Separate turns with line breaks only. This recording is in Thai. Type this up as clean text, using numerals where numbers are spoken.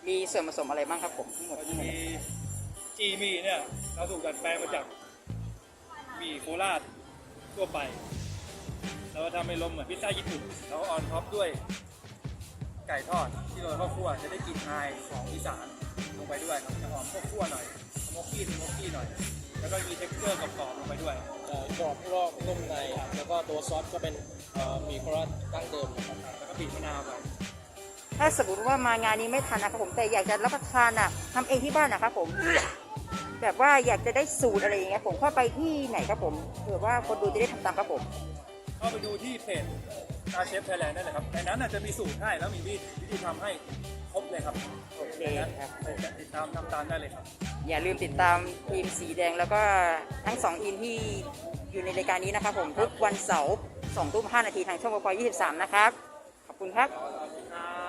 มีส่วนผสมอะไรบ้างครับผมทั้งหมด
ก็จะมีจีหมี่เนี่ยเราถูกดัดแปลงมาจากหมี่โคราชทั่วไปเราทำให้ลมเหมือนพิซซ่าญี่ปุ่นแล้วออนท็อปด้วยไก่ทอดที่เราข้าวคั่วจะได้กลิ่นอายของอีสานลงไปด้วยครับจะหอมข้าวคั่วหน่อยสโมกกี้หน่อยแล้วก็มีเท็กเจอร์กรอบๆลงไปด้วย
กรอบนอกนุ่มในแล้วก็ตัวซอสก็เป็นหมี่โคราชดั้งเดิมนะครับ
แล้วก็บีบมะนาวไป
ถ้าสมมติว่ามางานนี้ไม่ทันนะครับผมแต่อยากจะรับประทานทำเองที่บ้านนะครับผม แบบว่าอยากจะได้สูตรอะไรอย่างเงี้ยผมเข้าไปที่ไหนครับผมเผื่อว่าคนดูจะได้ทำตามครับผม
เข้าไปดูที่เพจตาเชฟไทยแลนด์ได้เลยครับในนั้นอาจจะมีสูตรให้แล้วมีวิธีทำให้ครบเลยครับ
โอเคครับ
ติดตามทำตามได้เลยครับ
อย่าลืมติดตามทีมสีแดงแล้วก็ทั้ง2ทีมที่อยู่ในรายการนี้นะครับผมทุกวันเสาร์2 ทุ่ม 5 นาทีทางช่องวพ23นะครับขอบคุณครับ